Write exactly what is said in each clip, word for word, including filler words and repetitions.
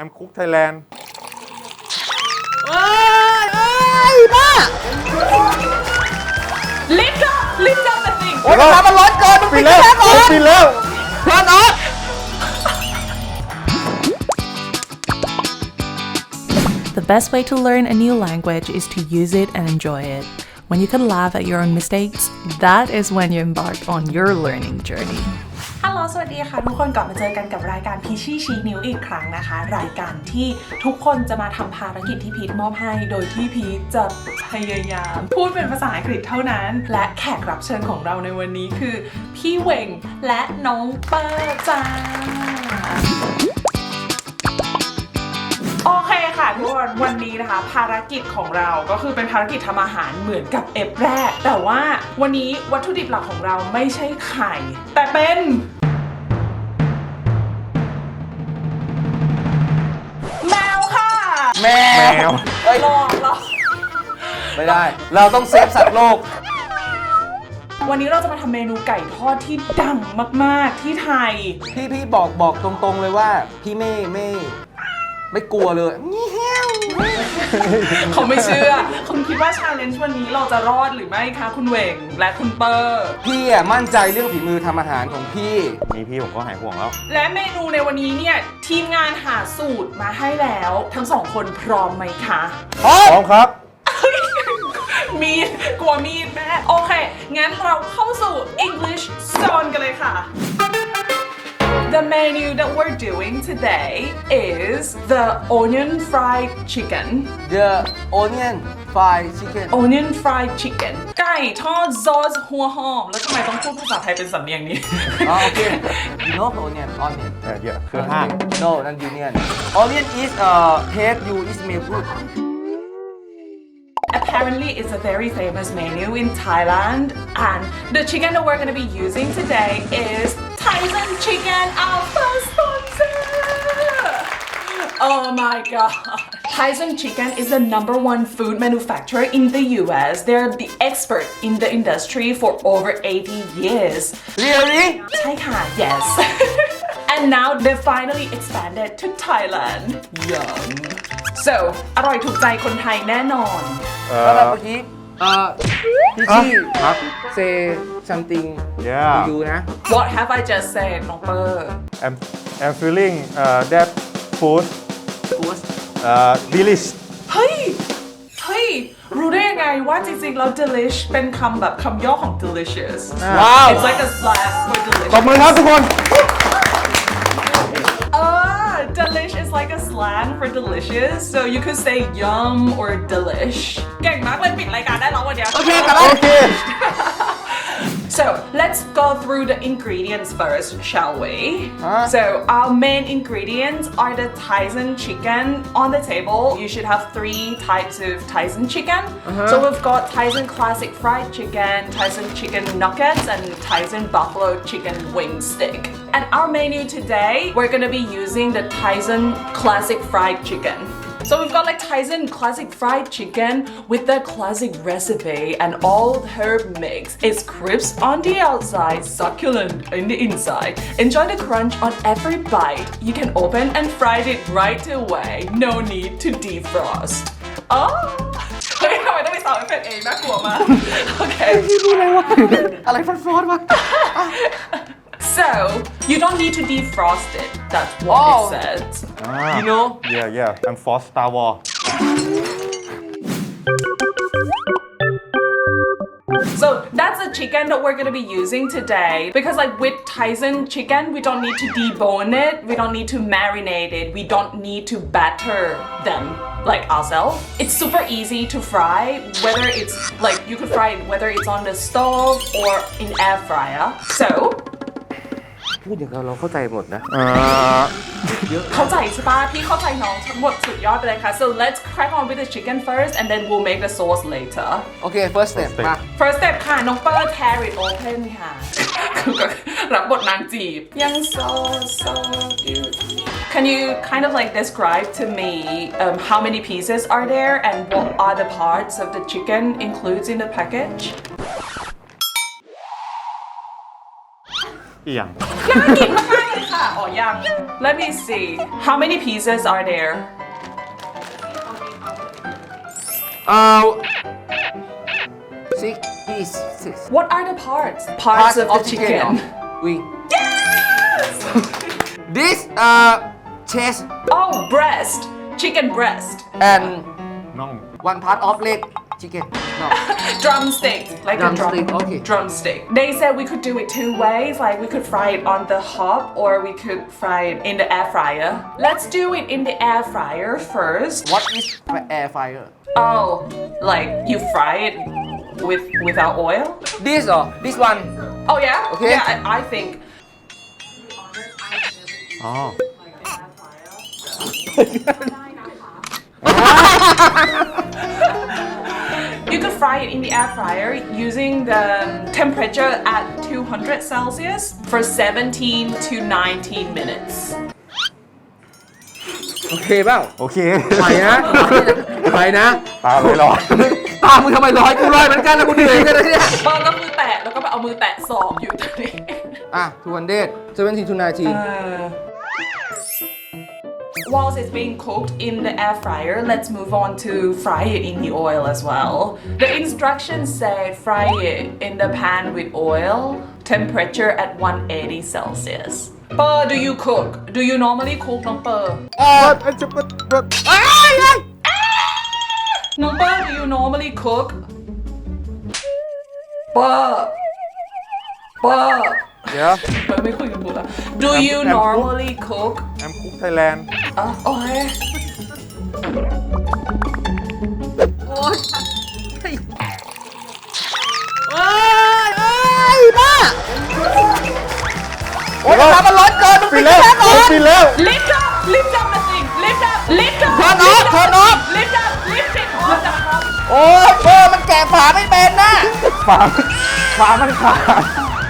I'm Cook Thailand เอ้ยเอ้ยบ้า lift up lift up the thing โอ้ยน้ำมันร้อนเกินมันปิปิดดแล้วแค่ก่อนปิดแล้วเพื่อนออฟ The best way to learn a new language is to use it and enjoy it. When you can laugh at your own mistakes, that is when you embark on your learning journey. ฮัลโหลสวัสดีค่ะทุกคนกลับมาเจอกันกับรายการพีชี่ชี้นิ้วอีกครั้งนะคะ รายการที่ทุกคนจะมาทำภารกิจที่พีทมอบให้โดยที่พีทจะพยายามพูดเป็นภาษาอังกฤษเท่านั้น และแขกรับเชิญของเราในวันนี้คือพี่เหว่งและน้องเปิ้ลจ้าโอเคค่ะทุกคนวันนี้นะคะภารกิจของเราก็คือเป็นภารกิจทำอาหารเหมือนกับเอฟแรกแต่ว่าวันนี้วัตถุดิบหลักของเราไม่ใช่ไข่แต่เป็นแมวค่ะแมแมววเอ้ยรอรอไม่ได้ เราต้องเซฟสัตว์โลกวันนี้เราจะมาทำเมนูไก่ทอดที่ดังมากๆที่ไทยพี่พี่บอกบอกตรงๆเลยว่าพี่ไม่ไม่ไม่กลัวเลยนี่แฮวเขาไม่เชื่อคุณคิดว่าชาเลนจ์วันนี้เราจะรอดหรือไม่คะคุณเหว่งและคุณเปอร์พี่อ่ะมั่นใจเรื่องฝีมือทำอาหารของพี่มีพี่ผมก็หายห่วงแล้วและเมนูในวันนี้เนี่ยทีมงานหาสูตรมาให้แล้วทั้งสองคนพร้อมไหมคะพร้อมครับมีดกลัวมีดแม่โอเค งั้นเราเข้าสู่ English Zone กันเลยค่ะ The menu that we're doing today is the onion fried chicken The onion fried chicken onion fried chicken ไก่ทอดซอสหัวหอมแล้วทำไมต้องพูดภาษาไทยเป็นสำเนียงนี้อ๋อโอเค You know onion onion เออเยอะคือห้าง No นั่น onion onion is uh taste you is smell good Apparently, it's a very famous menu in Thailand, and the chicken that we're going to be using today is Tyson Chicken, our first sponsor. Oh my god. Tyson Chicken is the number one food manufacturer in the U S. They're the expert in the industry for over eighty years. Really ใช่ค่ะ yes. And now they've finally expanded to Thailand. Yum. So อร่อยถูกใจคนไทยแน่นอนเอแล้วแบบอเมื่อกี้เอ่อพี่ชี่ครับ say something Yeah to you นะ What have I just said น้องเปอร์ I'm I'm feeling uh, that food Good uh, delish เฮ้ย เฮ้ย รู้ได้ยังไงว่าจริงๆแล้ว delish เป็นคำแบบคำย่อของ delicious ว้าว It's like a slang for ตบ delicious มือครับทุกคน Ah, delish is like a slang for delicious so you could say yum or delish เก่งมากเลยปิดรายการได้แล้ววันเนี้ยโอเคกลับบ้านโอเค So let's go through the ingredients first, shall we? Huh? So our main ingredients are the Tyson chicken on the table. You should have three types of Tyson chicken. Uh-huh. So we've got Tyson classic fried chicken, Tyson chicken nuggets, and Tyson buffalo chicken wing stick. And our menu today, we're gonna be using the Tyson classic fried chicken. So we've got like Tyson classic fried chicken with the classic recipe and all herb mix. It's crisp on the outside, succulent in the inside. Enjoy the crunch on every bite. You can open and fry it right away. No need to defrost. Oh! เฮ้ยทำไมต้องไปสาวเอฟเฟกต์เองน่ากลัวมาก โอเคอะไรฟันฟอนวะ So you don't need to defrost it. That's what Oh. it says. You know Yeah yeah I'm for Star Wars So that's the chicken that we're gonna be using today. Because like with Tyson chicken, we don't need to debone it, we don't need to marinate it, we don't need to batter them like ourselves. It's super easy to fry, whether it's like you could fry it whether it's on the stove or in air fryer. So พูดอย่างเราเราเข้าใจหมดนะเอ่อเข้าใจใช่ปะพี่เข้าใจน้องทั้งหมดสุดยอดไปเลยค่ะ So let's crack on with the chicken first and then we'll make the sauce later. โอเค first step มา First step ค่ะ น้องเปิ้ล tear it open ค่ะ รับบทนางจีบ ยัง so so beautiful Can you kind of like describe to me um, how many pieces are there and what are the parts of the chicken includes in the package อีหยังน่ากินมากๆเลยค่ะ Oh, yeah. Let me see. How many pieces are there? เอ่อ six piece six What are the parts? Parts of the chicken. wing this uh chest Oh, breast. Chicken breast. and น่อง one part of leg chicken no Drumstick. Like a Drumstick, drum. okay. Drumstick. They said we could do it two ways. Like we could fry it on the hob or we could fry it in the air fryer. Let's do it in the air fryer first. what is air fryer Oh, like you fry it with without oil? this or this one Oh yeah? Okay. Yeah, I, I think. อ๋อ You could fry it in the air fryer using the temperature at two hundred Celsius for seventeen to nineteen minutes. โอเคเปล่าโอเคไปนะไปนะตาไม่ร้อนตามมึงทำไมร้อยกูร้อยเหมือนกันแล้วกูเหนื่อยกันเลยเนี่ยเบอร์ก็คือแตะแล้วก็ไปเอามือแตะศอกอยู่ตรงนี้อ่ะtwo hundred seventeen to nineteen Uh, Whilst it's being cooked in the air fryer, let's move on to fry it in the oil as well. The instructions say fry it in the pan with oil, temperature at one eighty Celsius. Per, do you cook? Do you normally cook, Nong Per? เออเอ้ยเอ้ย Nong Per, do you normally cook? Per. Per. เดี๋ยว Per ไม่คุยกับบุตรอะ Do you normally cook? แอมคุกไทยแลนด์อ่ะโอเคโอ๊ยเฮ้ยเอ้ยเอ้ยบ้าโอ๊ยน้ำมันร้อนเกินมันปิปิดดแล้วแค่ก่อนปิดแล้ว Lift up! Lift up the thing! Lift up! Lift up! Turn lift off, up turn the off. thing. Lift up! Lift it off the top. โอ๊ยเบอร์มันแกะฝาไม่เป็นนะฝาฝามันขาด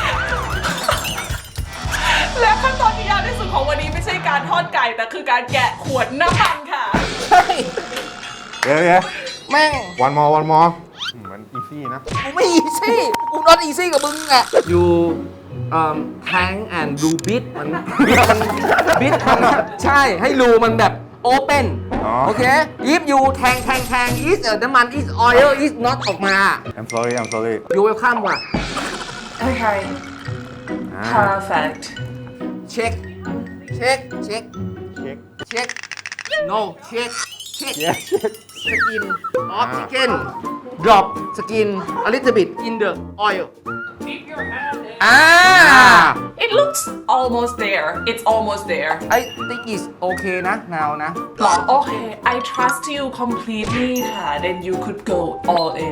และขั้นตอนที่ยากที่สุดของวันนี้ไม่ใช่การทอดไก่ แต่คือการแกะขวดน้ำมันค่ะใช่เดี๋ยวเดี๋ยวแม่งวันมอวันมอมันอีซี่นะกูไม่อีซี่กูนอนอีซี่กับมึงอ่ะ you um tank and do bit มันบิดมันบิดมันใช่ให้รูมันแบบ open อ๋อโอเค if you tank tank tank is เอ่อน้ำมัน is oil is not ออกมา I'm sorry I'm sorry you welcome ว่ะ Okay อ่า perfect เช็คเช็คเช็คเช็คเช็ค no เช็คเช็คเช็คเช็ค skin of อ่า chicken drop skin a little bit in the oil อ่า It looks almost there It's almost there I think is okay นะ now นะหรอโอเค I trust you completely ค่ะ then you could go all in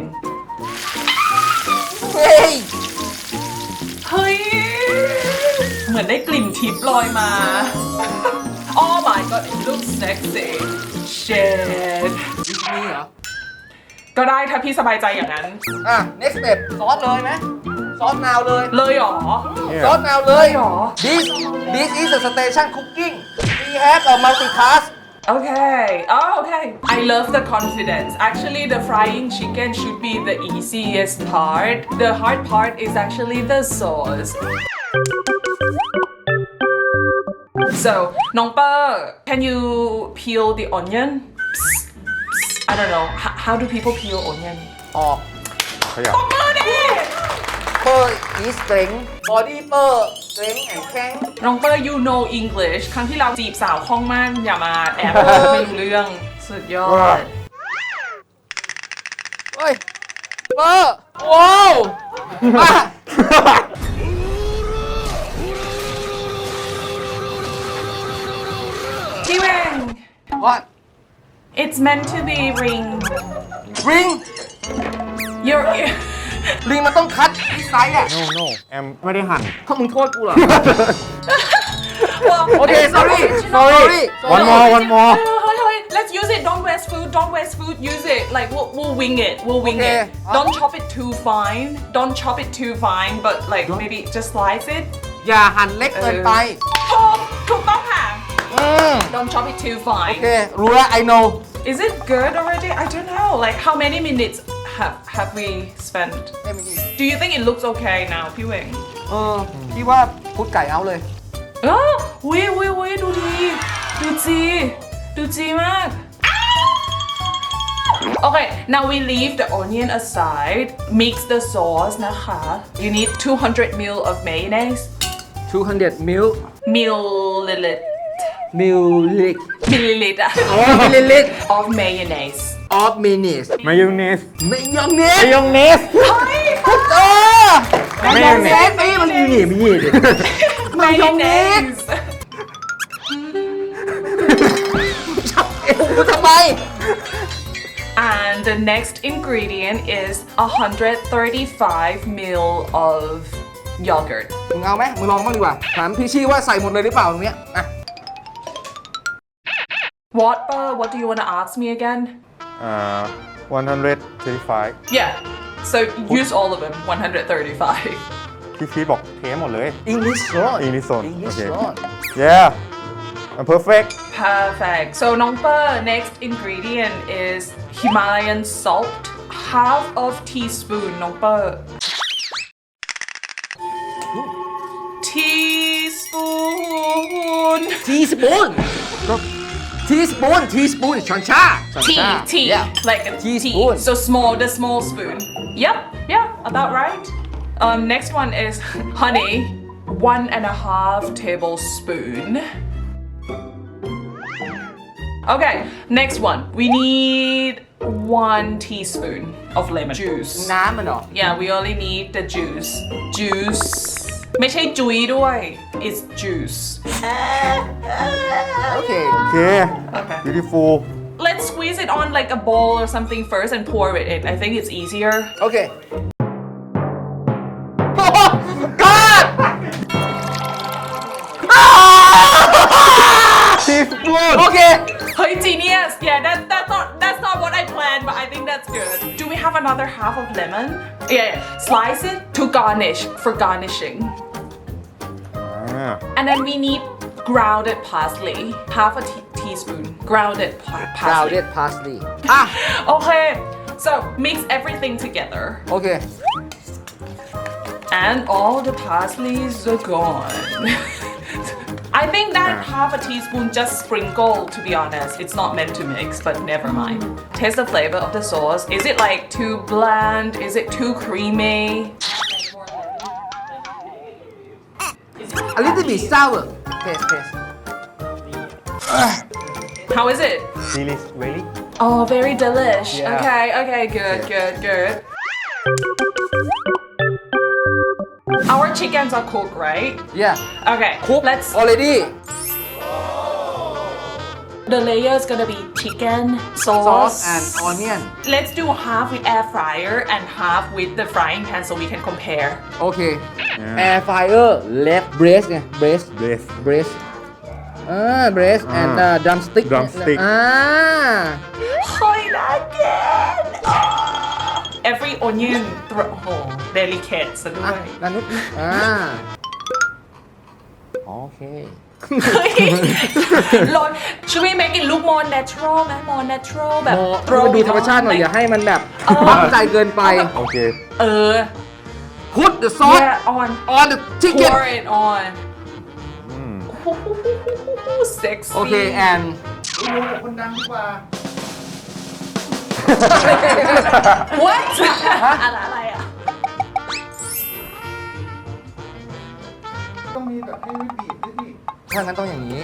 เฮ้ยเฮ้ย เหมือนได้กลิ่นทิพย์ลอยมา Oh my god it looks sexy shit นี่เหรอก็ได้ถ้าพี่สบายใจอย่างนั้นอ่ะ next step ซอสเลยไหมซอส now เลยเลยเหรอเนี่ยซอส now เลยหรอ this this is a station cooking we have a multitask Okay. Oh, okay. I love the confidence. Actually, the frying chicken should be the easiest part. The hard part is actually the sauce. So, Nong Per, can you peel the onion? Psst, psst. I don't know. H- how do people peel onion? ออกขยับตบมือดิเปอร์ is strength body เปอร์ strength and แข็งน้องเปอร์ you know English ครั้งที่เราจีบสาวคล่องมากอย่ามาแอบพูดไม่รู้เรื่อง สุดยอดเฮ้ยเปอร์ว้าวอ่ะพี่เวง what it's meant to be ring ring you're ลิงมันต้องคัดที่ไซส์อ่ะ no no แอมไม่ได้หั่นถ้ามึงโทษกูเหรอ well, Okay, it's sorry, original. sorry. one more one more Hold, hold, let's use it don't waste food don't waste food use it like we'll, we'll wing it we'll wing Okay. it don't chop it too fine don't chop it too fine but like maybe just slice it อย่าหั่นเล็กเกินไปถูกถูกต้องค่ะอืม don't chop it too โอ fine เค รู้แล้ว I know Is it good already? I don't know. Like how many minutes have have we spent? ไม่มี Do you think it looks okay now, พี่เวงเออพี่ว่าพุดไก่เอาเลยอ้าววิววิววิดูดีดูจีดูจีมาก Okay, now we leave the onion aside. Mix the sauce นะคะ You need two hundred milliliters of mayonnaise. two hundred ml Milliliter. milliliter Milliliter. อ๋อ milliliter of mayonnaise. of mayonnaise มายองเนสมายองเนสมายองเนสเออมายองเนสเอ้ยมันมีหนีมีหนีดิมายองเนส Mayonnaise. เอ้ยกูทำไม And the next ingredient is one hundred thirty-five milliliters of yogurt. มึงเอาไหมมึงลองบ้างดีกว่าถามพี่ชี่ว่าใส่หมดเลยหรือเปล่าตรงเนี้ยอ่ะ What, uh, what do you want to ask me again? อ่าone hundred thirty-five Yeah, so use all of them, one hundred thirty-five. พี่พีบอกเทหมดเลย English zone English zone English โอเค zone yeah I'm perfect Perfect. So Nongpa, next ingredient is Himalayan salt, half of teaspoon Nongpa. Teaspoon. teaspoon ก็ teaspoon teaspoon ช้อนชาช้อน Tea, ชา tea, yeah like a Teaspoon. tea. So small, the small spoon. Yep, yeah, about right. Um, next one is honey, one and a half tablespoon. Okay, next one. We need one teaspoon of lemon juice. น้ำมันเหรอ Yeah, we only need the juice. Juice. ไม่ใช่จุยด้วย it's juice. โอเคโอเค Okay. beautiful Let's squeeze it on like a bowl or something first and pour it in. I think it's easier. โอเคโอ้โห God teaspoon โอเค Hey, genius! Yeah, that, that's not that's not what I planned, but I think that's good. Do we have another half of lemon? Yeah, yeah. Slice it to garnish for garnishing. อ่า And then we need grounded parsley, half a te- teaspoon. Grounded pa- parsley. grounded parsley อ่ะ Okay, so mix everything together, โอเค and all the parsleys are gone. I think that half a teaspoon just sprinkle, to be honest. It's not meant to mix, but never mind. Taste the flavor of the sauce. Is it like too bland? Is it too creamy? a little bit sour taste taste How is it? chili really Oh, very delish. Yeah. Okay, okay, good, good, good. Our chickens are cooked, right? yeah Okay, cook let's. already The layer is gonna be chicken, sauce, sauce and onion Let's do half with air fryer and half with the frying pan so we can compare. โอเค Yeah. air fryer left breast ไง breast breast breast อ่า breast อ่า and uh, drumstick drumstick อ่า Hoy again! Every onion, thro- oh, delicate ซะด้อ่ะวยด้านนู้นอ่าโอเค Lord, should we make it look more natural ไหม more natural แบบโม throw ดูธรรมชาติหน่อย like- อย่าให้มันแบบเออตั้งใจเกินไปโอเคเออ put the sauce yeah on on the chicken pour it on อืม sexy โอเค and what อะไรอะไรอ่ะถ้างั้นต้องอย่างนี้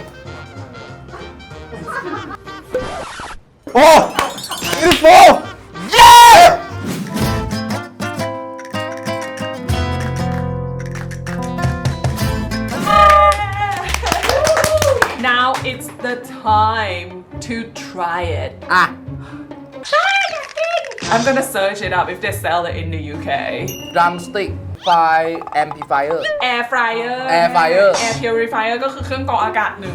โอ้ beautiful yeah Now it's the time to try it อ่ะ I'm gonna search it up if they sell it in the U K drumstick fire amplifier Air fryer Air fryer Air purifier ก็คือเครื่องกรองอากาศหนึ่ง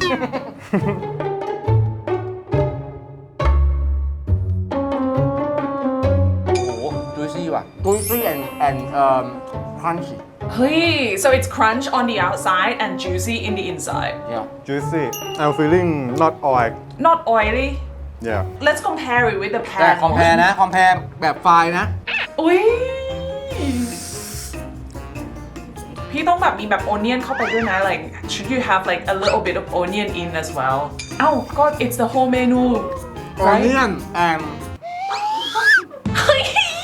โอ้โห juicy ว่ะ juicy and and um crunchy เฮ้ย so it's crunch on the outside and juicy in the inside yeah juicy I'm feeling not oil not oily yeah let's compare it with the แต่ pan คอมแพร์นะ คอมแพร์แบบไฟล์นะอุ้ยพี่ต้องแบบมีแบบ onion เข้าไปด้วยนะ like should you have like a little bit of onion in as well เอ้าก็ it's the whole menu right onion and เฮ้ย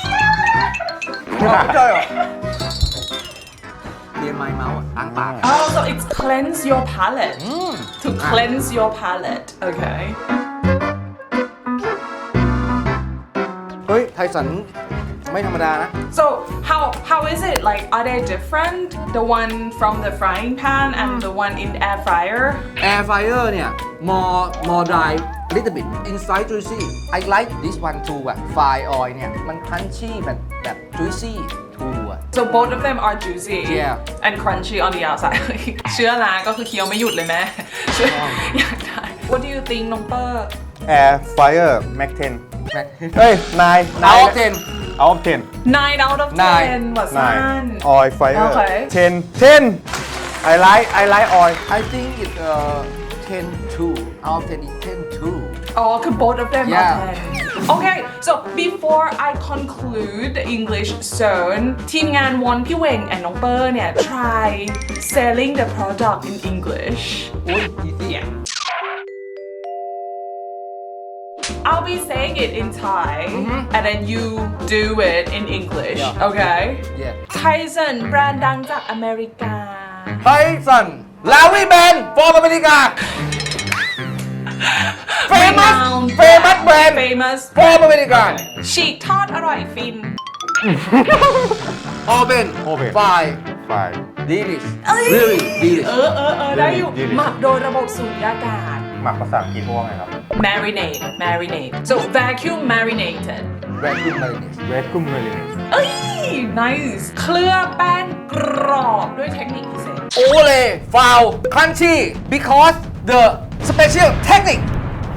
ไม่ใช่เหรอเรียนไม้เมาส์อ่ะล้างปาก oh so it's cleanse your palate to cleanse your palate okay เฮ้ย ไทสันไม่ธรรมดานะ so how how is it like are they different the one from the frying pan and the one in air fryer air fryer เนี่ย more more dry a little bit inside juicy I like this one too อะ fry oil เนี่ย มัน crunchy แบบแบบ juicy too อะ so both of them are juicy Yeah. and crunchy on the outside เชื่อนะก็คือเคี้ยวไม่หยุดเลยแม่เชื่ออยากได้ what do you think น้องเปอร์ Air Fryer Mac เท็น Mac เฮ้ยนาย Out of ten out of ten nine out of Nine. ten ว่าสั้น nine oil fryer Okay. ten ten I like I like oil I think it's uh ten two out of ten is ten two Oh, okay, both of them Yeah. are ten. Okay, so before I conclude the English zone, ทีมงานวอนพี่เวง and น้องเปอร์เนี่ย try selling the product in English. อุ้ย easy Yeah. I'll be saying it in Thai, and then you do it in English. Yeah. Okay? yeah Tyson แบรนด์ดังจากอเมริกาไทสันลาวิแบนฟอร์มอเมริกา famous Renowned famous brand famous ฟอร์มอเมริกาฉีกทอดอร่อยฟิน open Open. fry fry delicious เอ้ย really เอ delicious อเออเออได้อยู่ Delicious. หมักโดยระบบสูญญากาศหมักภาษาอังกฤษว่าไงครับ marinate marinate so vacuum marinated vacuum marinade vacuum marinade เอ้ย nice เคลือบแป้งกรอบด้วยเทคนิคพิเศษ ole foul crunchy because the special technique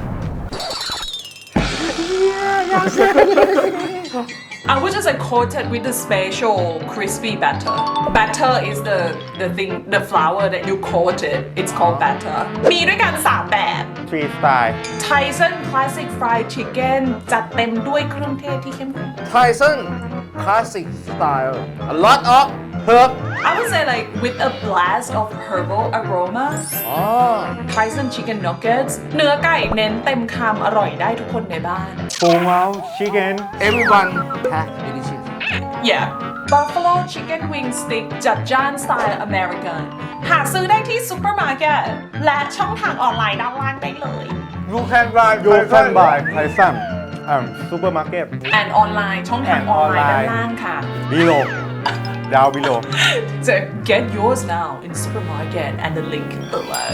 I would just like coated with the special crispy batter. Batter is the the thing, the flour that you coated. It's called batter. มีด้วยกันสามแบบ three style Tyson Classic Fried Chicken จัดเต็มด้วยเครื่องเทศที่เข้มข้น Tyson classic style a lot of herb I would say like with a blast of herbal aroma อ๋อ Tyson Chicken Nuggets เนื้อไก่เน้นเต็มคำอร่อยได้ทุกคนในบ้าน full mouth chicken everyone has delicious Yeah Buffalo Chicken Wing Stick จัดจ้านสไตล์อเมริกันหาซื้อได้ที่ซูเปอร์มาร์เก็ตและช่องทางออนไลน์ด้านล่างได้เลย you can buy you can buy Tyson um supermarket and ออนไลน์ช่องทาง And ออนไลน์ด้าน online ล่างค่ะ below down below So get yours now in supermarket and the link below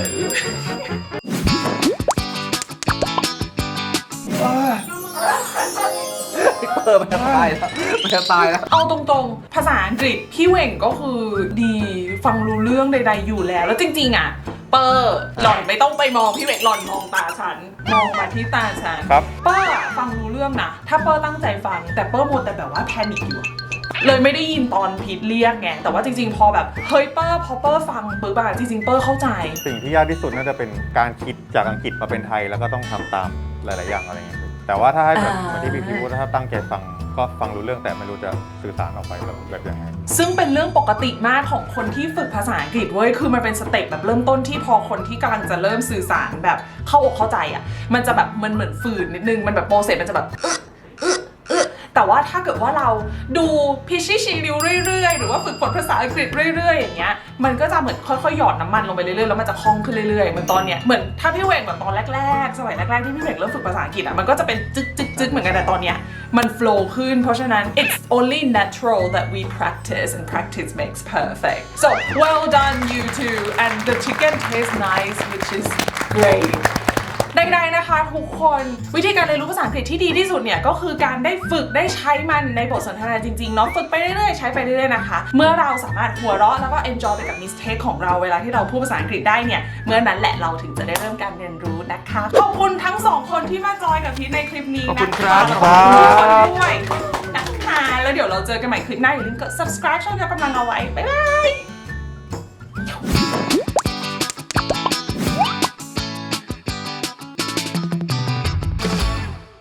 เออมันจะตายแล้วมันจะตายแล้วเอาตรงๆ ภาษาอังกฤษพี่เหว่งก็คือดีฟังรู้เรื่องใดๆอยู่แล้ว แล้วจริงๆอ่ะ เปอร์หล่อนไม่ต้องไปมองพี่เหว่งหล่อนมองตาฉัน มองมาที่ตาฉันครับเปอร์อะฟังรู้เรื่องนะ ถ้าเปอร์ตั้งใจฟัง แต่เปอร์หมดแต่แบบว่าแพนิคอยู่อะเลยไม่ได้ยินตอนพีทเรียกไง แต่ว่าจริงๆ พอแบบเฮ้ยเปอร์พอเปอร์ฟังปุ๊บอะจริงๆ เปอร์เข้าใจสิ่งที่ยากที่สุดน่าจะเป็นการคิดจากอังกฤษมาเป็นไทยแล้วก็ต้องทำตามหลาย ๆ อย่างอะไรเงี้ยแต่ว่าถ้าให้แบบอ่าเหมือนที่พี่พีพูดถ้าตั้งใจฟังก็ฟังรู้เรื่องแต่ไม่รู้จะสื่อสารออกไปแบบแบบยังไงซึ่งเป็นเรื่องปกติมากของคนที่ฝึกภาษาอังกฤษเว้ย คือมันเป็นสเต็ปแบบเริ่มต้นที่พอคนที่กำลังจะเริ่มสื่อสารแบบเข้าอกเข้าใจอ่ะ มันจะแบบมันเหมือนฝืนนิดนึง มันแบบโปรเซสมันจะแบบอึ๊ะอึ๊ะอึ๊ะแต่ว่าถ้าเกิดว่าเราดูพิชชี่ชีริวเรื่อยๆ หรือว่าฝึกฝนภาษาอังกฤษเรื่อยๆ อย่างเงี้ย มันก็จะเหมือนค่อยๆ หยอดน้ำมันลงไปเรื่อยๆ แล้วมันจะคล่องขึ้นเรื่อยๆ เหมือนตอนเนี้ย เหมือนถ้าพี่เวงแบบตอนแรกๆ สมัยแรกๆ ที่พี่เวงเริ่มฝึกภาษาอังกฤษอ่ะ มันก็จะเป็นจึ๊กจึ๊กจึ๊กเหมือนกันแต่ตอนเนี้ยมันโฟล์ขึ้น เพราะฉะนั้น it's only natural that we practice and practice makes perfect so well done you two and the chicken tastes nice which is great ใดๆนะคะทุกคนวิธีการเรียนรู้ภาษาอังกฤษที่ดีที่สุดเนี่ยก็คือการได้ฝึกได้ใช้มันในบทสนทนาจริงๆเนาะฝึกไปเรื่อยๆใช้ไปเรื่อยๆนะคะเมื่อเราสามารถหัวเราะแล้วก็ enjoy ไปกับ mistake ของเราเวลาที่เราพูดภาษาอังกฤษได้เนี่ยเมื่อนั้นแหละเราถึงจะได้เริ่มการเรียนรู้นะคะขอบคุณทั้งสองคนที่มาจอยกับพีทในคลิปนี้นะคะขอบคุณครับขอบคุณทุกคนด้วยนะคะแล้วเดี๋ยวเราเจอกันใหม่คลิปหน้าอย่าลืมกด subscribe ช่องยกกำลังเอาไว้บ๊ายบาย